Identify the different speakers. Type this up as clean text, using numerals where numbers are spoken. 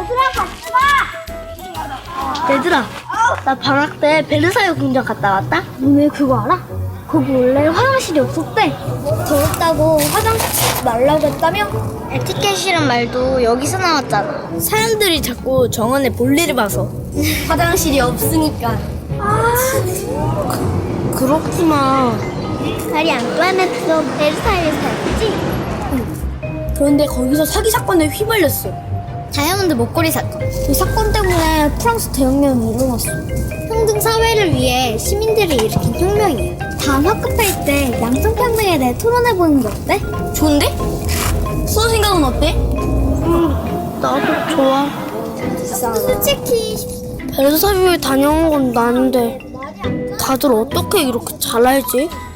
Speaker 1: 얘들아 같이 와. 얘들아, 나 방학 때 베르사유 궁전 갔다 왔다. 너네 그거 알아? 거기 원래 화장실이 없었대. 더럽다고 화장실 쓰지 말라고 했다며? 에티켓이란 말도 여기서 나왔잖아. 사람들이 자꾸 정원에 볼일을 봐서 화장실이 없으니까. 그렇구나. 말이 안토아네트도 베르사유에 살았지? 그런데 거기서 사기 사건에 휘말렸어. 다이아몬드 목걸이 사건. 그 사건 때문에 프랑스 대혁명이 일어났어. 평등 사회를 위해 시민들이 일으킨 혁명이야. 다음 학급회의 때 양성평등에 대해 토론해보는 게 어때? 좋은데? 수호 생각은 어때? 나도 좋아. 솔직히 베르사유에 다녀온 건 나는데 다들 어떻게 이렇게 잘 알지?